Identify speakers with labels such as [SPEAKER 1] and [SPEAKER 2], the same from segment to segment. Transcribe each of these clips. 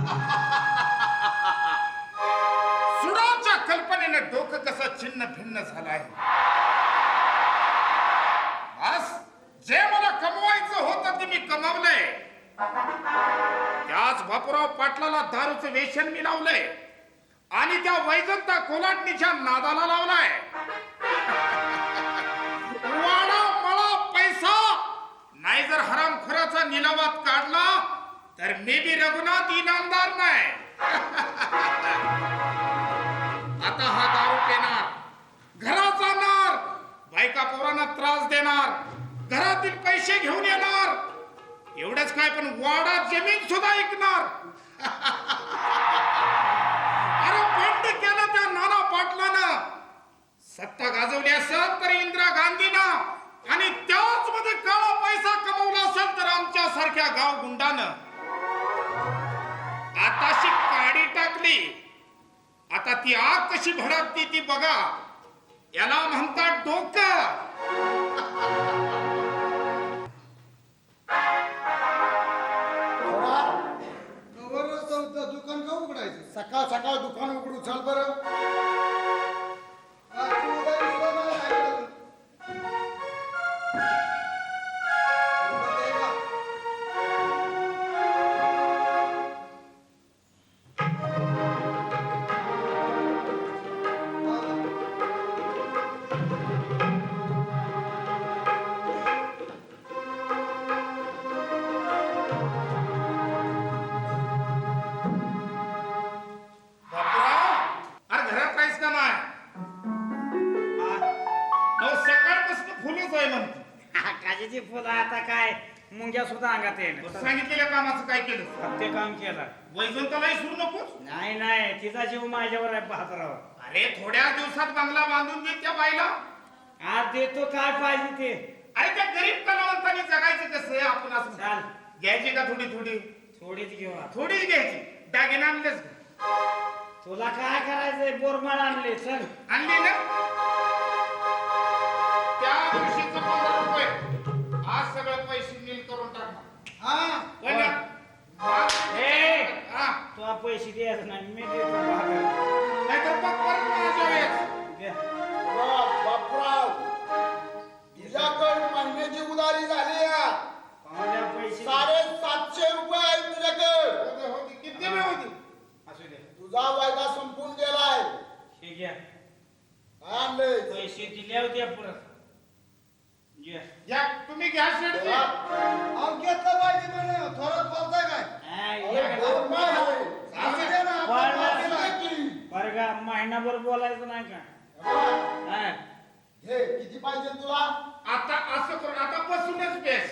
[SPEAKER 1] सुडाच्या कल्पनेनं डोकं कसं छिन्न भिन्न झालंय. बस जे मला कमवायचं होतं ते मी कमावलंय. त्याच बापूराव पाटलाला दारूचं व्यसन मी लावलंय आणि त्या वैजंता कोलाटणीच्या नादाला लावलाय. वाडा मला पैसा नाही जर हरामखोराचा निलावात काढला तर मी बी रघुनाथ इनामदार नाही. आता हा दारू पिणार, घरात जाणार, बायका पोरांना त्रास देणार, घरातील पैसे घेऊन येणार, एवढंच काय पण वाडा जमीन सुद्धा ऐकणार. अरे बंड केलं त्या नाना पाटलानं. सत्ता गाजवली असेल तर इंदिरा गांधीनं आणि त्याच मध्ये काळा पैसा कमवला असेल तर आमच्या सारख्या गाव गुंडानं. आताशी काडी टाकली, आता ती आग कशी भडकती ती बघा. याला म्हणतात डोकं.
[SPEAKER 2] दुकान का उघडायचं? सकाळ सकाळ दुकान उघडू चल बरं.
[SPEAKER 3] फुलं आता काय मुंग्या सुद्धा अंगात येईल.
[SPEAKER 1] सांगितलेल्या कामाचं काय केलं?
[SPEAKER 3] ते काम केलं.
[SPEAKER 1] वैजंतालाही सुरू नकोस?
[SPEAKER 3] नाही नाही, तिचा जीव माझ्यावर आहे बहादरावर.
[SPEAKER 1] अरे थोड्या दिवसात बंगला बांधून दे त्या बाईला.
[SPEAKER 3] आज देतो काय पाहिजे ते.
[SPEAKER 1] अरे त्या गरीब कलावंतांनी जगायचं कसं? आपण असं
[SPEAKER 3] चाल
[SPEAKER 1] घ्यायची का थोडी थोडी?
[SPEAKER 3] थोडीच घेऊ.
[SPEAKER 1] थोडीच घ्यायची. दागिने आणलेच
[SPEAKER 3] तुला काय करायचंय? बोरमाळ आणले. चल
[SPEAKER 1] आणली ना? त्या दिवशीचं 15 रुपये आज सगळं पैसे नील करून टाकणार.
[SPEAKER 3] तुला पैसे द्यायचं नाही, मी देतो.
[SPEAKER 1] नाहीतर मग परत माझ्या वेळेस
[SPEAKER 2] बापराव तुझ्याकडे महिन्याची उधारी झाली.
[SPEAKER 3] पैसे
[SPEAKER 2] 750 रुपये आहेत तुझ्याकडे.
[SPEAKER 1] होती किती वेळ होती?
[SPEAKER 3] असू दे.
[SPEAKER 2] तुझा वायदा संपून गेलाय.
[SPEAKER 3] हे घ्या
[SPEAKER 2] आणले
[SPEAKER 3] पैसे दिले होते परत.
[SPEAKER 1] या तुम्ही घ्या शेडची.
[SPEAKER 2] घेतलं पाहिजे म्हणे. थोडं बोलताय काय?
[SPEAKER 3] बरं का, महिनाभर बोलायचं नाही का?
[SPEAKER 2] हे किती पाहिजे तुला?
[SPEAKER 1] आता असं करून आता बसूनच बेस.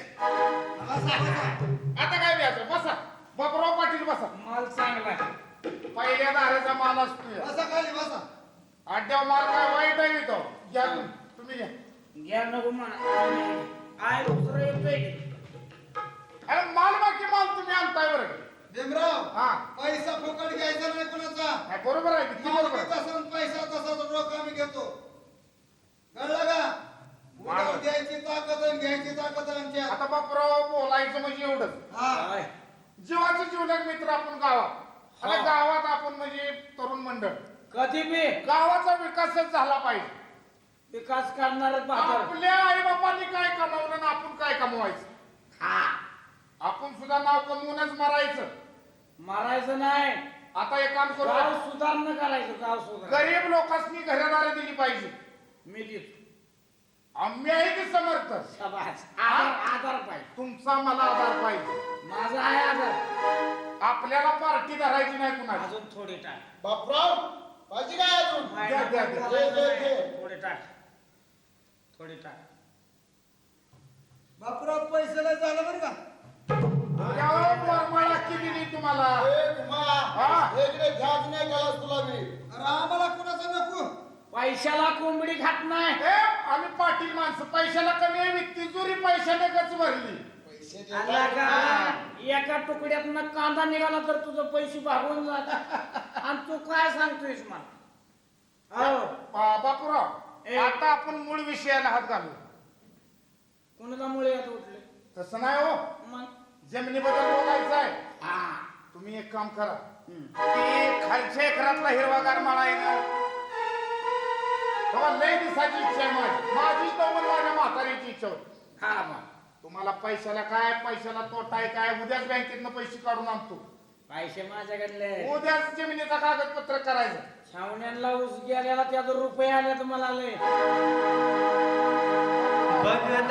[SPEAKER 1] आता काय द्यायचं? बसा. बापराव पाटील बसा.
[SPEAKER 3] माल चांगला.
[SPEAKER 1] पहिल्या दाराचा माल असतो.
[SPEAKER 2] बसा खाली बसा.
[SPEAKER 1] अड्ड्यावर माल काय वाईट आहे तो. घ्या तुम्ही घ्या.
[SPEAKER 3] घ्या नको म्हणा. आय दुसरं येतोय.
[SPEAKER 1] अरे माल बाकी माल तुम्ही आणताय बरं.
[SPEAKER 2] भीमराव
[SPEAKER 1] हा
[SPEAKER 2] पैसा फुकट घ्यायचा नाही कोणाचा.
[SPEAKER 1] बरोबर आहे किती बरोबर आहे.
[SPEAKER 2] तसं पैसा तसा रोख आम्ही घेतो. कळलं का? उधार द्यायची ताकद आणि घ्यायची ताकद आमची.
[SPEAKER 1] आता बापराव बोलायचं म्हणजे एवढंच. जीवाचे जीवलग मित्र आपण गावात आणि गावात आपण म्हणजे तरुण मंडळ.
[SPEAKER 3] कधी बी
[SPEAKER 1] गावाचा विकासच झाला पाहिजे.
[SPEAKER 3] विकास करणारच बहादर.
[SPEAKER 1] आपल्या आई बापांनी काय कमावलं ना आपण काय कमवायचं? आपण सुद्धा नाव कमवूनच मरायचं.
[SPEAKER 3] मारायचं नाही.
[SPEAKER 1] आता एक काम करू.
[SPEAKER 3] गाव सुधारणं करायचं. गाव सुधार.
[SPEAKER 1] गरीब लोकांनी घरदारी दिली पाहिजे.
[SPEAKER 3] मी देतो.
[SPEAKER 1] आम्ही आहे की समर्थ.
[SPEAKER 3] शाबास. आधार पाहिजे.
[SPEAKER 1] तुमचा मला आधार पाहिजे.
[SPEAKER 3] माझा आहे आधार.
[SPEAKER 1] आपल्याला पार्टी धरायची नाही कुणाची.
[SPEAKER 3] अजून थोडी टाक.
[SPEAKER 2] बापराव पाहिजे काय अजून?
[SPEAKER 3] थोडे टाक. थोडे टाक.
[SPEAKER 2] बापराव पैसे नाही झालं बरं का?
[SPEAKER 1] मला किती दिली तुम्हाला?
[SPEAKER 2] तुला मी. अरे आम्हाला कुणाचा नको.
[SPEAKER 3] पैशाला कोंबडी खात नाही.
[SPEAKER 1] आम्ही पाटील माणसं. पैशाला कमी आहे. तिजोरी पैशाने गच भरली.
[SPEAKER 3] एका तुकड्यातनं कांदा निघाला तर तुझं पैसे भागून जात. आणि तू काय सांगतोयस मला?
[SPEAKER 1] बापूराव आता आपण मूळ विषयाला हात घालू.
[SPEAKER 3] कोणाला मुळे यात उठले?
[SPEAKER 1] तसं नाही हो.
[SPEAKER 3] मग
[SPEAKER 1] जमिनीबद्दल बोलायचं आहे. तुम्ही एक काम करा, ती खालच्या एकरातला हिरवागार माळा आहे ना, तेव्हा लय दिसाची इच्छा आहे माझी तर माझ्या म्हातारीची इच्छा होती.
[SPEAKER 3] हा मग
[SPEAKER 1] तुम्हाला पैशाला काय, पैशाला तोटा आहे काय, उद्याच बँकेतनं पैसे काढून आणतो.
[SPEAKER 3] पैसे माझ्याकडले
[SPEAKER 1] उद्याच जमिनीचा कागदपत्र करायचं.
[SPEAKER 3] छावण्यांना ऊस गेलेला त्याचा रुपये आले तुम्हाला लय.